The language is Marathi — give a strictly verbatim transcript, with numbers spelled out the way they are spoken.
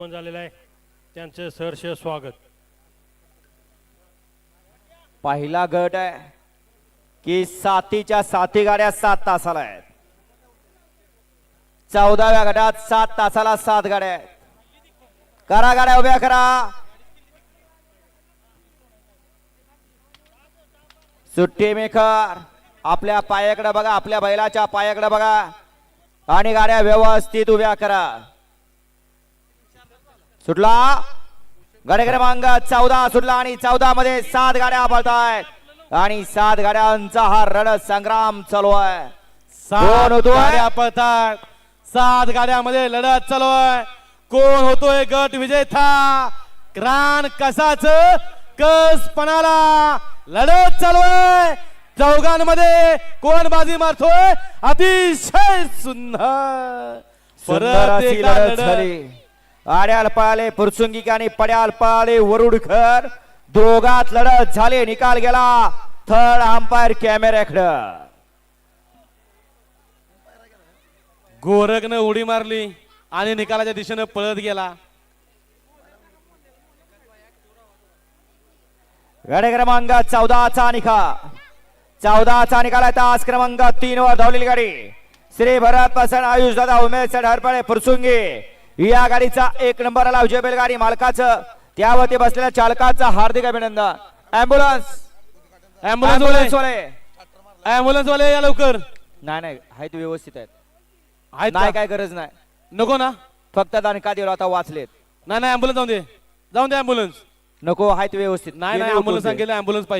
झालेलं आहे त्यांचे सहर्ष स्वागत। पहिला गट आहे की सातीच्या साती गाड्या सात तासाला आहेत। चौदाव्या गटात सात तासाला सात गाड्या आहेत। करा गाड्या उभ्या करा। सुट्टी मेकर आपल्या पायाकडे बघा, आपल्या बैलाच्या पायाकडे बघा आणि गाड्या व्यवस्थित उभ्या करा। सुटला गाडी क्रमांक चौदा सुटला आणि चौदा मध्ये सात गाड्या पळतायत आणि सात गाड्यांचा हा रणत संग्राम चालू आहे। सात गाड्या पळतात, सात गाड्यामध्ये लढत चालू आहे। कोण होतोय गट विजेता? क्रान कसाच कस पणाला लढत चालू आहे। चौघांमध्ये कोण बाजी मारतोय? अतिशय सुंदर परत एकदा लढत झाली। आड्याल पळाले फुरसुंगी आणि पड्याल पळाले वरुडकर, दोघात लढत झाले। निकाल गेला थर्ड अंपायर कॅमेऱ्याकडे। गोरखनं उडी मारली आणि निकालाच्या दिशेने पळत गेला। गाडी क्रमांक चौदाचा निकाल चौदाचा निकाल आहे। तास क्रमांक तीन वर धावलेली गाडी श्री भरत पसंत आयुष दादा उमेश हरपळे फुरसुंगी या गाडीचा एक नंबर आला। विजय बैलगाडी मालकाचं त्यावरती बसलेल्या चालकाचं हार्दिक अभिनंदन। ऍम्ब्युलन्स ऍम्ब्युलन्स वाले ऍम्ब्युलन्स वाले या लवकर। नाही नाही आहेत व्यवस्थित आहेत, आहेत नाही का? काय गरज नाही, नको ना? फक्त दणका दिला आता वाचलेत। नाही नाही ऍम्ब्युलन्स जाऊन दे, जाऊन दे ऍम्ब्युलन्स। नको आहेत व्यवस्थित, नाही नाही ऍम्ब्युलन्स सांगितलं ऍम्ब्युलन्स